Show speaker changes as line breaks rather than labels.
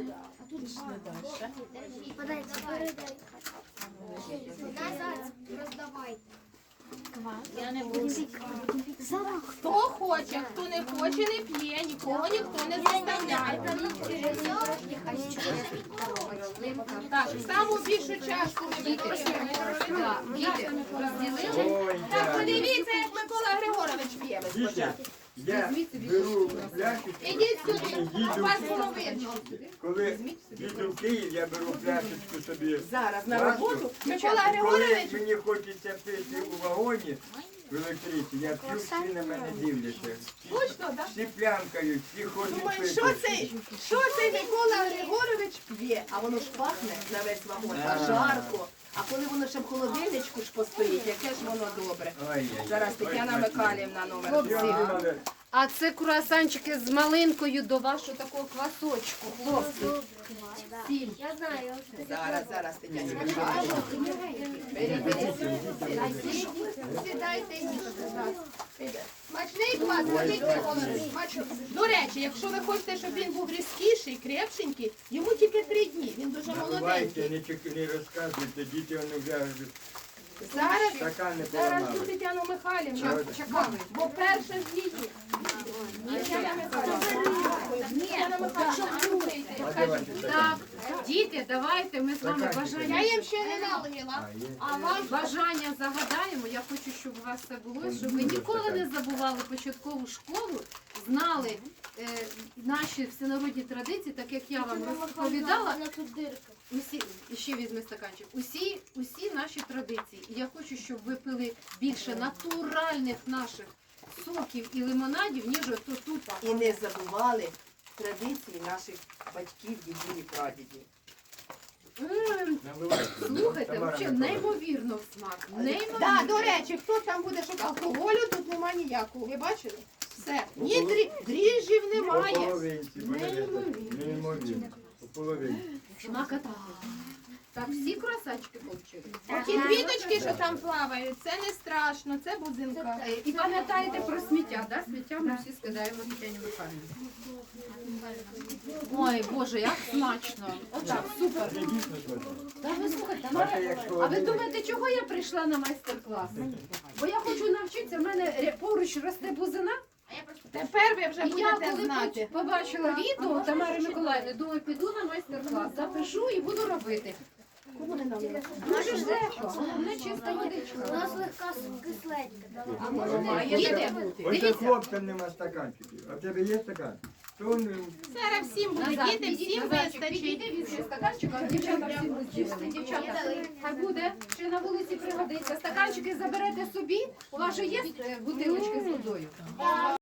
Пішли далі.
Я не буду.
Хто хоче, хто не хоче, не п'є, нікого ніхто не заставляє. Так, саму більшу чашку ми вип'ємо. Так, подивіться, як Микола Григорович п'є спочатку.
Я беру пляшечку,
Ідіть сюди, у вас було видно.
коли їду в Київ, я беру пляшечку собі.
Зараз на роботу. Микола
Коли
Григорович,
мені хочеться пити у вагоні, в електричці, я п'ю, всі на мене дивляться.
точно, так?
Всі плямкають, всі хочуть
Думаю,
пити.
що цей Микола Григорович п'є? А воно ж пахне на весь вагон, а жарко. А коли воно ще в холодильничку ж постоїть, яке ж воно добре.
Ой-ой-ой.
Зараз Тетяна Михайлівна номер.
Я думала,
А це круасанчики з малинкою до вашого такого квасочку, хлопці. Сіль.
Я знаю.
Зараз Тетяна Михайлівна. Беріть. Сідайте і їжте. Смачний квас, ходіть Микола. До речі, якщо ви хочете, щоб він був різкіший, крепшенький, йому тільки 3 дні, він дуже
наливайте,
молоденький.
не розказуйте, діти вони вже
Зараз
стакани
Зараз
поламали.
ту Тетяну Михайлівну чекали, бо перше ж її. Тетяна Михайлівна. Тетяна Михайлівна.
Так, діти, давайте ми з вами
Я
бажання.
їм ще не налила, а вам
Бажання загадаємо. Я хочу, щоб у вас все було, щоб ви ніколи не забували початкову школу, знали наші всенародні традиції, так як я вам розповідала. Усі, ще візьми стаканчик. Усі наші традиції. І я хочу, щоб ви пили більше натуральних наших соків і лимонадів, ніж ото тут.
і не забували традиції наших батьків, дідів і прадідів.
Слухайте, взагалі неймовірно в смак.
Так, до речі, хто там буде шукати алкоголю, тут нема ніякого. Ви бачили? Все. Ні дріжджів
По
немає.
половинці, неймовірно. По половинці.
Смакота. Так, всі круасанчики отримали?
Ті квіточки, що там плавають, це не страшно, це бузинка.
І пам'ятаєте про сміття, да? Сміття ми всі скидаємо Тетяні Михайлівні. Ой, Боже, як смачно. Отак, супер.
Це дійсно смачно.
Та ви слухайте,
Бачите, як
а ви думаєте, чого я прийшла на майстер-клас? Бо я хочу навчитися, в мене поруч росте бузина.
Тепер ви вже
І я
будете
коли
знати.
побачила відео Тамари Миколаївни, думаю, піду на майстер-клас, запишу і буду робити. Дуже ж легко, головне чиста водичка.
Вона слегка кисленька.
Має бути.
Ось у
Дивіться.
хлопцям нема стаканчиків. А в тебе є стакан? То вони
Зараз всім буде,
Назад,
діти,
підіть,
всім
Назарчик,
вистачить.
підійди, візьми стаканчик, а дівчата всі будуть їсти. Дівчата, хай буде, чи на вулиці пригодиться. Стаканчики заберете собі, у вас же є бутилочки з водою.